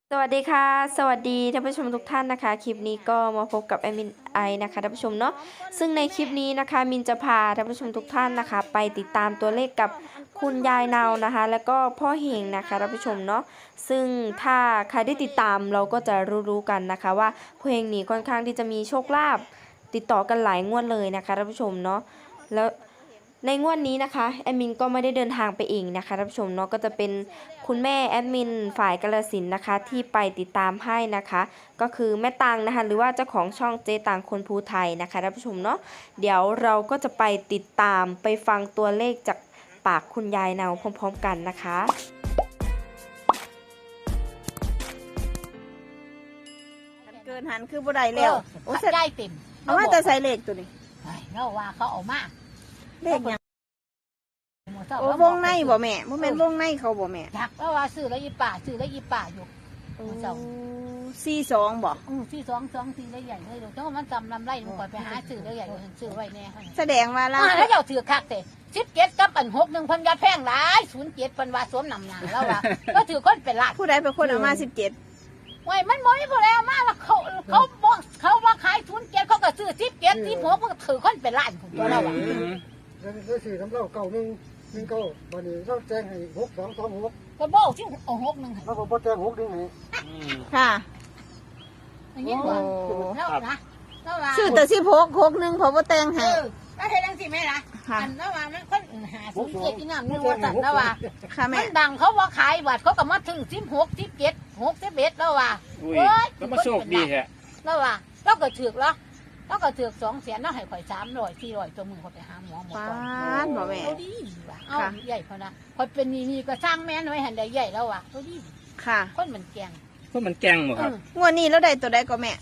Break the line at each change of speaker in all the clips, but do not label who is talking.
สวัสดีค่ะสวัสดีท่านผู้ชมทุกท่านนะคะคลิปนี้ก็มาพบกับแอดมินไอนะคะท่านผู้ชมเนาะซึ่งในคลิปนี้นะคะมินจะพาท่านผู้ชมทุกท่านนะคะไปติดตามตัวเลขกับคุณยายเนานะคะแล้วก็พ่อเฮงนะคะท่านผู้ชมเนาะซึ่งถ้าใครได้ติดตามเราก็จะรู้กันนะคะว่าพ่อเฮงนี่ค่อนข้างที่จะมีโชคลาภติดต่อกันหลายงวดเลยนะคะท่านผู้ชมเนาะแล้วในงวดนี้นะคะแอดมินก็ไม่ได้เดินทางไปเองนะคะท่านผู้ชมเนาะก็จะเป็นคุณแม่แอดมินฝ่ายกาฬสินธุ์นะคะที่ไปติดตามให้นะคะก็คือแม่ตังนะคะหรือว่าเจ้าของช่องเจตังคนภูไทยนะคะท่านผู้ชมเนาะเดี๋ยวเราก็จะไปติดตามไปฟังตัวเลขจากปากคุณยายเนาพร้อมๆกันนะคะ
เกินหันคือบ่ได้แล้วโอ้ย
ได้เต็ม
เอามาแต่ใส่เลขตัวนี้
เราว่าเขาเอามา
เลขหยังโอ้วงในบ่แม่บ่แม่นวงในเขาบ่แม่
จักแล้วว่าซื้อแล้วยี่ป่าซื้อแล้วยี่ป่าอยู่
โอ้42บ่
ที่สองสี่ได้ใหญ่เลยเดี๋ยวเจ้ามันจำลำไรมันก่อนไปหาซื้อแล้วใหญ่ซื้อไว้แน่
แสดงว่าเรา
แล้วเจ้าถือคักแต่17กับ6 1,000ยาแพงหลาย07เพิ่นว่าสวมนำหนาแล้วว่าก็ถือคนเป็นล้าน
ผู้ใดเป็นคนเอามา17
ไว้มันบ่มีผู้ใดเอามาแล้วบอกเขาว่าขาย07เขาก็ซื้อ17 16มันก็ถือคนเป็นล้านพุ่นตัวเราอ่ะ
แล้วสี่ทำเล่าเก่า1 9วันนี้เราแจ้งให้6226
ก็บอกที่เอา6 1ให้
แล้วผมบ่แจ้ง6นี่ให้
ค่ะ
อย่างนี้ว่าแล้วนะแล้วว่า
ซื้อแต่16 61เพราะว่าแต่งให้
แล้วเฮ็ดจังซี่แม่ล่ะ
ค่ะ
อันนั้นว่ามันคนหาซื้อเจ็ดอีน้ำนึงว่าสั่นแล้วว่า
ค่ะ
มั
แม่
นดังเขาว่าขายบัตรเขาก็มาถึง16 17 61แล้วว่า
อุ้ย
โอ้ย
ก็มาโชคดีแฮะ
แล้วว่าเราก็ถือกแล้วเราก็ถือก2แสนแล้วให้ข่อย300 400ตัวมือเขาไปหาหมอ
ปา
ก่อน
ดบ่แม่
เอาดีว่ะเอาใหญ่เขานะข่อยเป็นนี่ก็สร้างแม่นไว้หันได้ใหญ่แล้วว่ะเอาดี
ค่ะ
คนมันแกง
ก็มันแกงหมดครับ
งวดนี้เราได้ตัวใดก็แม่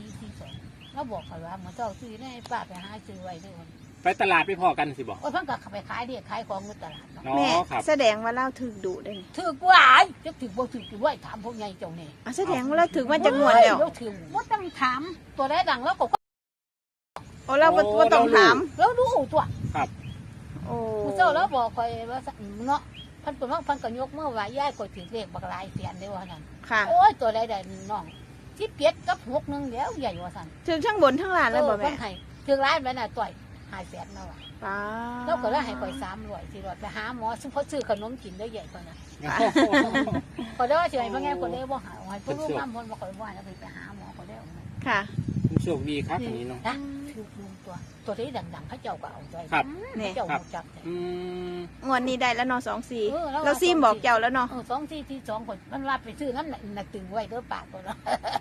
2442แล้วบอกเขาว่าเหมือนเจ้าซื้อได้ป้าไปหาซื้อไว้ด้วย
ไปตลาดไปพอกันสิบอก
โอ้ยเพิ่นก็ไปขายเด็กขายของในตลาดเนาะ
อ๋อ
แม่
ครับ
แสดงว่าเราถึกดุได้นี่
ถือกว่าจะถือบ่ถือกี่ว่าถามพวกใหญ่เจ้านี่
อ่ะแสดงว่าเราถึกมาจากงวดแล้ว
เราถือว่าต้องถามตัวได้ดังแล้วก็
โอ้เราบ่ต้องถาม
แล้วดูตัว
โอ้
ผู้เจ้าแล้วบอกคอยว่าเนาะพันตัวน้องพันก็ยกเมื่อวานย่ายก็ถือเลขบักลายเสียนได้ว่านั่น
ค่ะ
โอ้ยตัวใดน้องที่เปียดกับ6 1เดี๋ยวใหญ่ว่าสั่น
ถึกทั้งบนทั้งล่างเลยบ่แม่
ให้ถือร้ายไปน่ะต่อย5แสนแล้วอ่ะ
ป้า
แล้วก็เลยให้ข่อย300 400ไปหาหมอซึ่งเขาซื้อขนมกินได้ใหญ่กว่านะก็ได้ว่าสิให้พ่อแง่คนได้บ่หาให้พวกลูกน้ำมันบ่ค่อยว่าแล้วไปหาหมอก็ได้
ค่ะ
โชคดีครับอย่างนี้เนาะ
นะถูกลุงตัวที่ดังๆเขาเจ้าก็เอาใจ
ครับ
เขาเจ้าหูจับ
อืม
งวดนี้ได้แล้วเนาะ
เออ
24เราซีมบอกเจ้าแล้วเนาะ
2 คนมันว่าไปซื้อน้ำหนักตึงไว้เด้อปากตัวเนาะ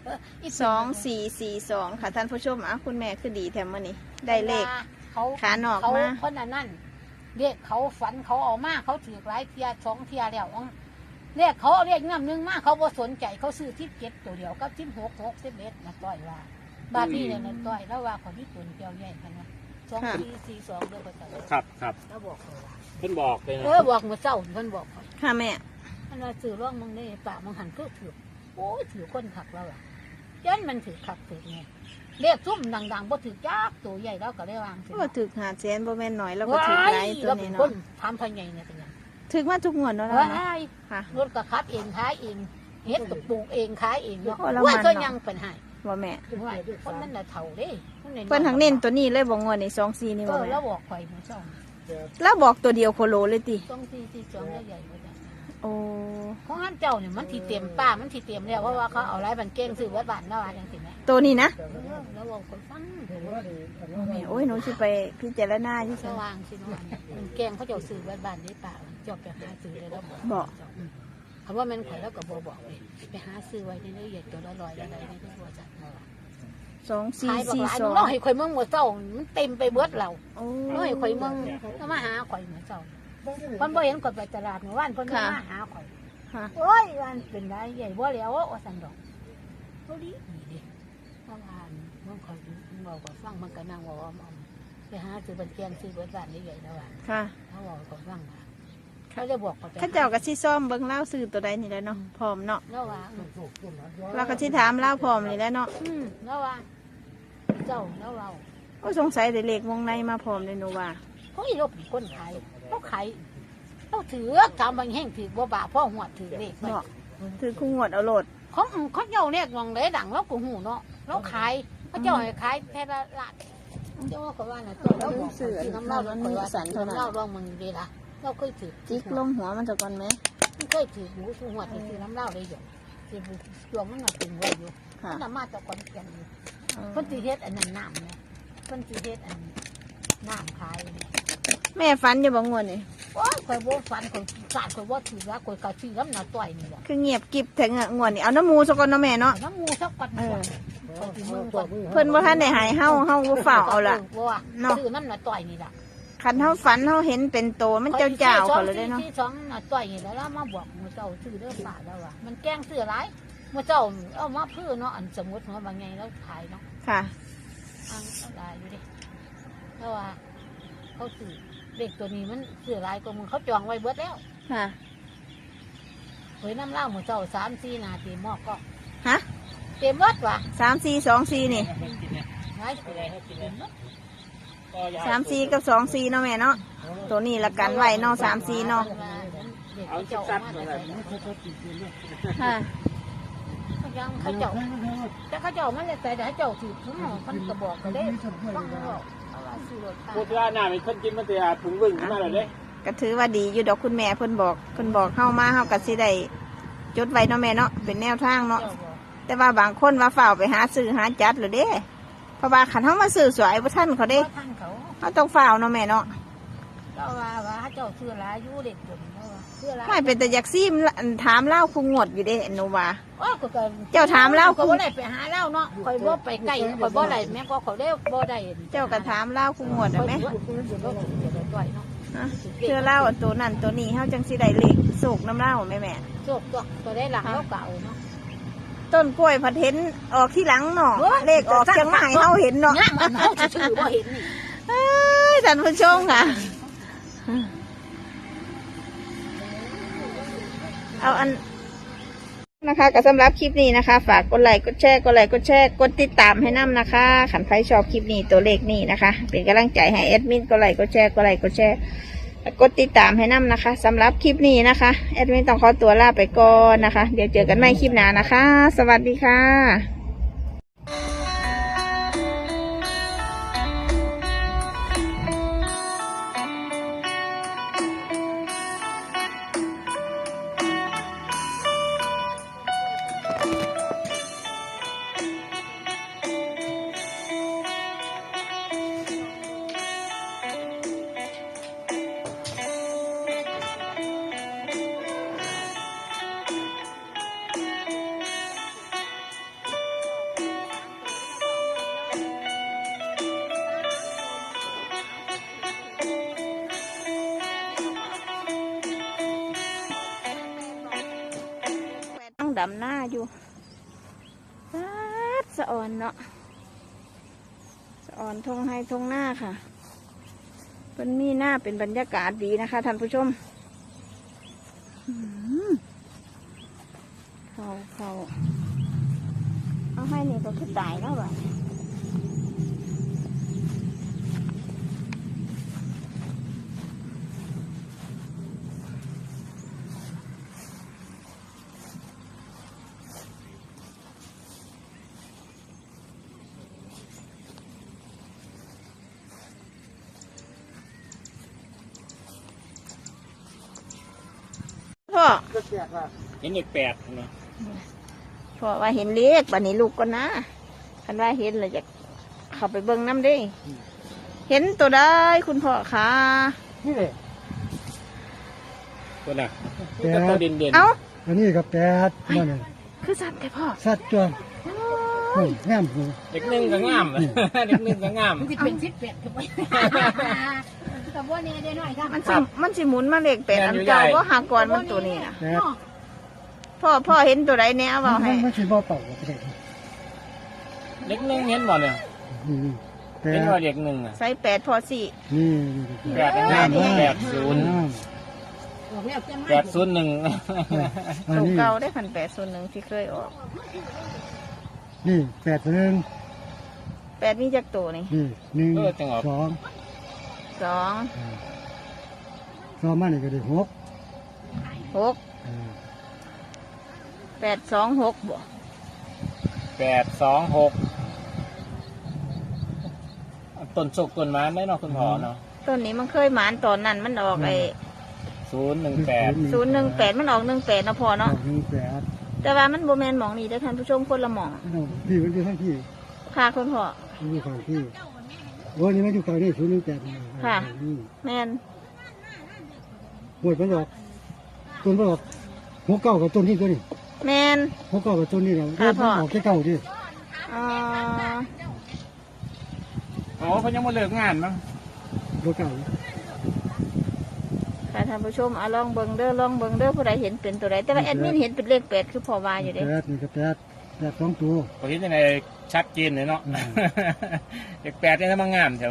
2442ค่ะท่านผู้ชมอ่ะคุณแม่คือดีแถมมื้อนี้ได้เลข
เขา
ขาหนอกมา
คนนั้นเรียกเขาฝันเขาเอามาเขาถือหลายเทีย2 เทียแล้วเรียกเขาเรียกน้ำนึงมาเขาบ่สนใจเขาซื้อ17ตัวเดียวกับ16 61นะต้อยว่าบาทนี้เนี่ยนะต้อยแล้วว่าคนที่ตุนเกี่ยวใหญ่กันนะ2442เด้อก็จะ
ครับครับ
แล้วบอกเขาว่า
เพิ่นบอกเลยนะ
บอกเมื่อเช้าเพิ่นบอกเขา
ค่ะแม่
อันว่าซื้อร่องมึงนี่ป่ามึงหันก็ถือโอ้ยถือคนขักแล้วล่ะยันมันถือขักถือไงเรียกซุ่มดังๆบ่ถือยากตัวใหญ่แล้วก็ได้วาง
ก็ถึก500,000บ่แม่นน้อยแล้วก็ถึกหลายตัว
แล้ว
นี้
คน
เนาะ
ทำพันใหญ่เนี่ยเป็นยัง
ถึกมาทุกงวดเนาะ
ว้า
เนาะ
ย
ค่ะ
รถก็ขับเองขายเองเฮ็ดกับปลูกเองขายเองเนาะ
โอ้แล้ว
ว่า
มัน
ก็
เนาะ
ยังเป็นให้
บ่แม่
ว่าคนนั้นน่ะเฒ่าเด้
เพิ่นทั้งเน้นตัวนี้เลยบ่งวดนี่24นี่บ่
ก็
แม่
แล้วบอกข่อยมื้อเช้า
แล้วบอกตัวเดียวโคโลเลยติ
2442แล้วใหญ่บ่จ้ะ
โอ้
ของท่านเจ้าเนี่ยมันที่เต็มป้ามันที่เต็มแล้วเพราะว่าเขาเอาหลายบันเก้งซื้อไว้บ้านแล้วว่าจังซี่แม่
ตัวนี้นะ
แล้วบอกคนฟัง
แม่โอ้ยหนูสิไปพิจารณาอยู่
ส
ซั่น
ว่างสิเนาะมันแกงเขาเจ้าซื้อบ้านได้ป่าเจ้าไปหาซื้อได้แล้ว
บอก
คำว่ามันข่อยแล้วก็บอกเลยไปหาซื้อไว้ในนี้ใหญ่ตัวละ100อะไรในที่บัวจัดเราขายบอกหลายน้องให้ข่อยเมืองหัวเจ้ามันเต็มไปเบิดเรา
โอ้
น้อยข่อยเมืองก็มาหาข่อยหัวเจ้าคนบ่เห็นข่อยไปตลาดเมื่อวานคนมาหาข่อย
ค่ะ
โอ้ยวันเป็นไรใหญ่บ่แล้วว่าสันดอกเขาดีดิเมื่อวานเมื่อข่อยบอกว่าฟังมันก็นั่งว่าไปหาซื้อบันแกงซื้อเบิดบ้านใหญ่แล้วว่า
ค่ะ
เขาบอกเขาฟังว่าเขาจะบอกเขา
ข้าเจ้าก็สิซ่อมเบิ่งเล่าซื้อตัวใดนี่แหละเนาะพร้อมเนาะ
แล้วว่า
เราก็สิถามเล่าพร้อมนี่แหละเนาะ
แล้วว่าเจ้าแล้วเรา
โอ้สงสัยได้เลขวงในมาพร้อมเลยหนูว่า
เขาอีรบคนขายเขาขายเขาถือทำบางแห่งถือบ่บาพ่อหัวถือเลขไป
เนาะถือคู่งวดเอาโลด
เเขาเจ้าเนี่ยมองเลยดังเราก็หูเนาะเราขายเขาเจ้าให้ขายแพละล้านเจ้าก็ว่าน่ะตัวเราบอกซื้อน้ำเหล้าเราเคยว่าน้ำเหล้าลองมึงดีละเราเคยถือ
จิกลงหัวมันจะก่อนไหม
ไม่เคยถือหูสูหัวถือน้ำเหล้าเลยอยู่ถือตัวมันมาถึงไว้อยู่
ค่ะ
มันมาจากคนเขียนอยู่เพิ่นสิเฮ็ดอันนั้นน้ำเนี่ยเพิ่นสิเฮ็ดอันน้ำขาย
แม่ฝันอยู่บ่งวดนี่
โอ้ยข่อยบ่ฝันข่อยสาดข่อยบ่ถือว่าข่อยก็ชื่อน้ำหน้าต่อยนี่แหละ
คือเงียบกิบถึงงวดนี่เอาน้ำมูซะก่อนเนาะแม่เนาะ
น้ำมูสักก่อนข่อยสิมึงก่อน
เพิ่นบ่ทันได้หายเฮาบ่ฝ่าวเอาล่ะ
ว่า
เนาะ
ชื่อน้ำหน้าต่อยนี่ล่ะ
คันเฮาฝันเฮาเห็นเป็นโตมันเจ้าๆเขาเลยเด้เนาะ
ที่สองหน้าต่อยนี่แล้วมาบอกมื้อเจ้าชื่อเด้อป่าแล้วว่ามันแกล้งซื้อหลายมื้อเจ้าเอามาพื้อเนาะอันสมมุติว่าบางไงแล้วขายเนาะ
ค่ะ
อังอะไรอยู่ดิเพราะว่าเขาซื้อเด็กตัวนี้มันซื้อหลายกว่ามึงเขาจองไว้เบิดแล้ว
ค่ะ
เฮ้ยน้ำเหล้าหมูเจ้า3-4 นาทีหมอกก็
ฮะ
เต็มวัดวะ
3424นี่
ไงเต็มวัด
34กับ24เนาะแม่เนาะตัวนี้ละกันไว้เนาะ34เนาะ
เด็ก
เอา
เจ้า
ชัด
มา
ๆ
แต่
เลย
ค่ะ
เขายังเขาเจ้าแต่เขาเจ้ามันเลยแต่เจ้าถือทั้งหมดมันกระบอกก็ได้ฟังบอกเอาว่าซื้อรถ
พูดว่าหน้ามีคนกินมันจะถุงวิ่งขึ้นมาเลยเด้
ก็ถือว่าดีอยู่ดอกคุณแม่เพิ่นบอกเฮามาเฮาก็สิได้จดไว้เนาะแม่เนาะเป็นแนวทางเนาะ
เจ้าบอก
แต่ว่าบางคนว่าฝ่าวไปหาซื้อหาจัดหรือเด้เพราะว่าขันเฮามาซื้อสวยบ่ทันเขาเด้
ท่านเขา
เฮาต้องฝ่าวเนาะแม่เนาะ
เจ้าว่าเจ้าซื้อหลายอยู่เด็กจนเนาะซื้อหลาย
ไม่เป็นแต่อยากซีมถามเล่าคุงงวดอยู่เด้หนูว่า
โอ้ยก็
เจ้าถามเล่า
ก็บ่ได้ไปหาเล่าเนาะคอยบ่ไปใกล้คอยบ่ได้แม่ก็เขาได้บ่ได้
เจ้าก็ถามเล่าคุงงวด
ค
ได้
อย
ไหม
บ่ได้ต่อยเนาะ
ฮะเชื่อเล่าตัวนั้นตัวนี้เฮาจังสิได้เลขโศกน้ำเล่าแม่แม่
โชคตัวได้หลังแล้วเก่าเนาะ
ต้นกล้วยผัดเห็นออกที่หลังเนาะเลขออกเชียงใหม่เฮาเห็นเนาะ
งามมันเฮาชื่อบ่เห็นนี่
เอ้ยท่านผู้ชมค่ะเอาอันนะคะก็สำหรับคลิปนี้นะคะ ฝากกดไลค์กดแชร์กดติดตามให้น้ำนะคะขันใครชอบคลิปนี้ตัวเลขนี้นะคะ เป็นกำลังใจให้แอดมินกดไลค์กดแชร์กดติดตามให้น้ำนะคะสำหรับคลิปนี้นะคะแอดมินต้องขอตัวลาไปก่อนนะคะ เดี๋ยวเจอกันใหม่คลิปหน้านะคะ สวัสดีค่ะต้องดำหน้าอยู่สะออนเนาะสะออนทงให้ทงหน้าค่ะเป็นมีหน้าเป็นบรรยากาศดีนะคะท่านผู้ชมเขาเอาให้นี่ก็คือตายแล้วบ่ะพ่อ
ก็แจกว่า
เห็นเด็กแปดเนาะ
พ่อว่าเห็นเลขบัดนี้ลูกก็นะคันว่าเห็นเลยจะเข้าไปเบิ่งน้ำเด้เห็นตัวได้คุณพ่อคะ
นี่แหละ
ตัวน่ะตัวเด่นเด่น
เอ้า
อันนี้ก็แปดนั่นน่ะ
คือสัตว์แต่พ่อ
สัตว์จวนโอ้ยงามหู
เด็กหนึ่งก็งามเด็กหนึ่งก็งาม
มันสิเป็น18คือบ่แต่บ่แน่ได้น้อยค่ะ
มันสิหมุนมาเลขแปดอันเก่าว่าหากรมันตัวนี้นะ
แปด
พ่อเห็นตัวใดแน่เอาให้
มันสิบ่เป่าก็ได้
เด็กหนึ่งเห็นบ่เนี่ย
นี่แป
เห็น
ด
ว่าเด็กหนึ่งอ่ะ
ใส่แปดพอสี่
นี่
แปดงาม80
ออกแล้วจังมา
801
อัน
ตัว
นี้
เก่าได้1,801ที่เคยออก
นี่แปดหนึ่ง
แปดมีจักตัวนี่
นี่หนึ่งสอง
2
สองมานี่ก็ได้หก
6 8 2 6บ่
826ต้นโชคต้นไม้ได้เนาะคุณพ่อเนาะ
ต้นนี้มันเคยหมานตอนนั้นมันออกไอ้
018
018มันออก18นะพ่อเนาะ
1 8
แต่ว่ามันโบแมนหมองนี่ได้อท่านผู้ชมคนละหมอง
พี่มันอยู่ทั้งพี่
ค่ะคุณพ่อ
มันอยู่ฝั่งพี่โอ้ยนี่มันอยู่ฝั่งนี้0 1 8
ค่ะ แมน
หมดมันออกต้นมันออกหัวเก่ากับต้นนี้ตัวนี้
แมน
หัวเก่ากับต้นนี้เรา
ค่ะพ่อ
ออกแค่เก่าดิ
อ๋อ
อ๋อเขายังมาเลิกงานมั้ง
หัวเก่า
ค่ะท่านผู้ชมเอาลองเบิ่งเด้อลองเบิ่งเด้อผู้ใดเห็นเป็นตัวใดแต่ว่าแอดมินเห็นเป็นเลข8คือพ่อว่าอยู่เด้
8นี่ก็8 2ตัว
พอคิดยังไงชัดเจนเลยเนาะ เด็ก8เนี่ยถ้ามางามแถว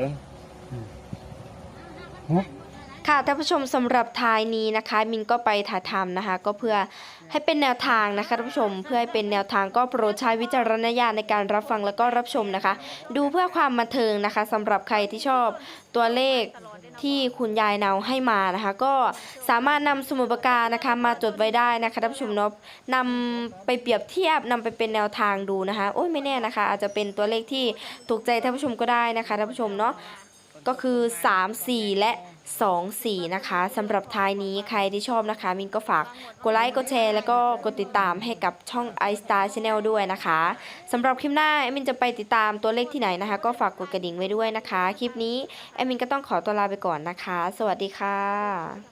ฮะ
ค่ะท่านผู้ชมสำหรับท้ายนี้นะคะมินก็ไปถ่ายทำนะคะก็เพื่อให้เป็นแนวทางนะคะท่านผู้ชมเพื่อให้เป็นแนวทางก็โปรดใช้วิจารณญาณในการรับฟังแล้วก็รับชมนะคะ ดูเพื่อความบันเทิงนะคะสำหรับใครที่ชอบตัวเลขที่คุณยายเนาให้มานะคะ ก็สามารถนำสมุดปากกานะคะมาจดไว้ได้นะคะท่านผู้ชมเนาะนำไปเปรียบเทียบนำไปเป็นแนวทางดูนะคะโอ้ยไม่แน่นะคะ อาจจะเป็นตัวเลขที่ถูกใจท่านผู้ชมก็ได้นะคะท่านผู้ชมเนาะก็คือ3 4และ2 4นะคะสำหรับท้ายนี้ใครที่ชอบนะคะมินก็ฝากกดไลค์กดแชร์แล้วก็กดติดตามให้กับช่อง iStar Channel ด้วยนะคะสำหรับคลิปหน้ามินจะไปติดตามตัวเลขที่ไหนนะคะก็ฝากกดกระดิ่งไว้ด้วยนะคะคลิปนี้มินก็ต้องขอตัวลาไปก่อนนะคะสวัสดีค่ะ